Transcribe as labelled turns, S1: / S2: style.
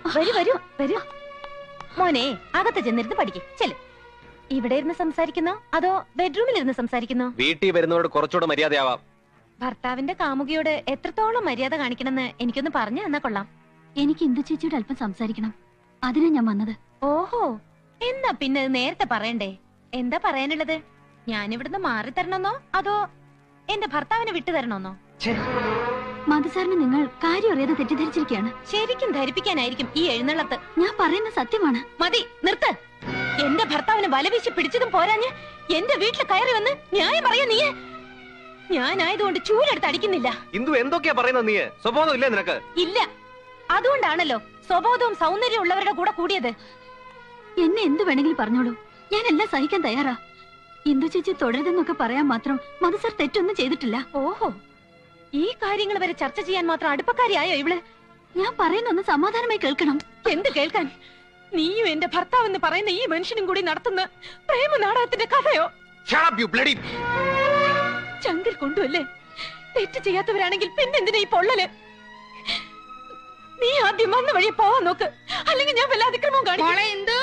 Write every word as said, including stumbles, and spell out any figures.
S1: വരൂ വരൂ വരൂ. മോനെ അകത്ത് ചെന്നിരുന്ന് പഠിക്കും. ചെല്. ഇവിടെ ഇരുന്ന് സംസാരിക്കുന്നോ അതോ ബെഡ്റൂമിൽ ഇരുന്ന് സംസാരിക്കുന്നോ?
S2: വീട്ടിൽ വരുന്നവരോട് കുറച്ചുകൂടെ മര്യാദയാവാം.
S1: ഭർത്താവിന്റെ കാമുകിയോട് എത്രത്തോളം മര്യാദ കാണിക്കണമെന്ന് എനിക്കൊന്ന് പറഞ്ഞു തന്നാ കൊള്ളാം.
S3: എനിക്ക് ഇന്ദു ചേച്ചിയോട് അല്പം സംസാരിക്കണം. അതിനാ ഞാൻ വന്നത്.
S1: ഓഹോ, എന്നാ പിന്നെ നേരത്തെ പറയണ്ടേ? എന്താ പറയാനുള്ളത്? ഞാനിവിടുന്ന് മാറി തരണമെന്നോ അതോ എന്റെ ഭർത്താവിനെ വിട്ടു തരണമെന്നോ?
S3: മധുസാറിന് നിങ്ങൾ കാര്യം അറിയാതെ തെറ്റിദ്ധരിച്ചിരിക്കുകയാണ്.
S1: ശരിക്കും ധരിപ്പിക്കാനായിരിക്കും ഈ എഴുന്നള്ളത്ത്.
S3: ഞാൻ പറയുന്ന സത്യമാണ്.
S1: മതി, നിർത്ത്. എന്റെ ഭർത്താവിനെ വലവീശി പിടിച്ചതും പോരാഞ്ഞ് എന്റെ വീട്ടിൽ കയറി വന്ന് ന്യായം പറയാ നീ. ഞാനായതുകൊണ്ട് ചൂലെടുത്ത് അടിക്കുന്നില്ല.
S2: ഇന്ദു എന്തൊക്കെയാ പറയുന്നത്? നീ സ്വഭാവം ഇല്ലേ നിനക്ക്?
S1: ഇല്ല, അതുകൊണ്ടാണല്ലോ സ്വബോധവും സൗന്ദര്യവും ഉള്ളവരുടെ കൂടെ കൂടിയത്.
S3: എന്നെ എന്ത് വേണമെങ്കിലും പറഞ്ഞോളൂ, ഞാൻ എല്ലാം സഹിക്കാൻ തയ്യാറാ. ഇന്ദു ചേച്ചി തുടരുതെന്നൊക്കെ പറയാൻ മാത്രം മധുസാർ തെറ്റൊന്നും ചെയ്തിട്ടില്ല.
S1: ഓഹോ, ഈ കാര്യങ്ങൾ വരെ ചർച്ച ചെയ്യാൻ മാത്രം അടുപ്പക്കാരിയായോ ഇവള്?
S3: ഞാൻ പറയുന്നൊന്ന് സമാധാനമായി കേൾക്കണം.
S1: എന്ത് കേൾക്കാൻ? നീയും എന്റെ ഭർത്താവ് എന്ന് പറയുന്ന ഈ മനുഷ്യനും കൂടി നടത്തുന്ന പ്രേമ നാടകത്തിന്റെ കഥയോ? ചങ്കിൽ കൊണ്ടുവല്ലേ? തെറ്റ് ചെയ്യാത്തവരാണെങ്കിൽ പിന്നെന്തിനാ ഈ പൊള്ളല്? നീ ആദ്യം വന്ന വഴി പോവാൻ നോക്ക്, അല്ലെങ്കിൽ ഞാൻ വല്ല അതിക്രമവും കാണിക്കും.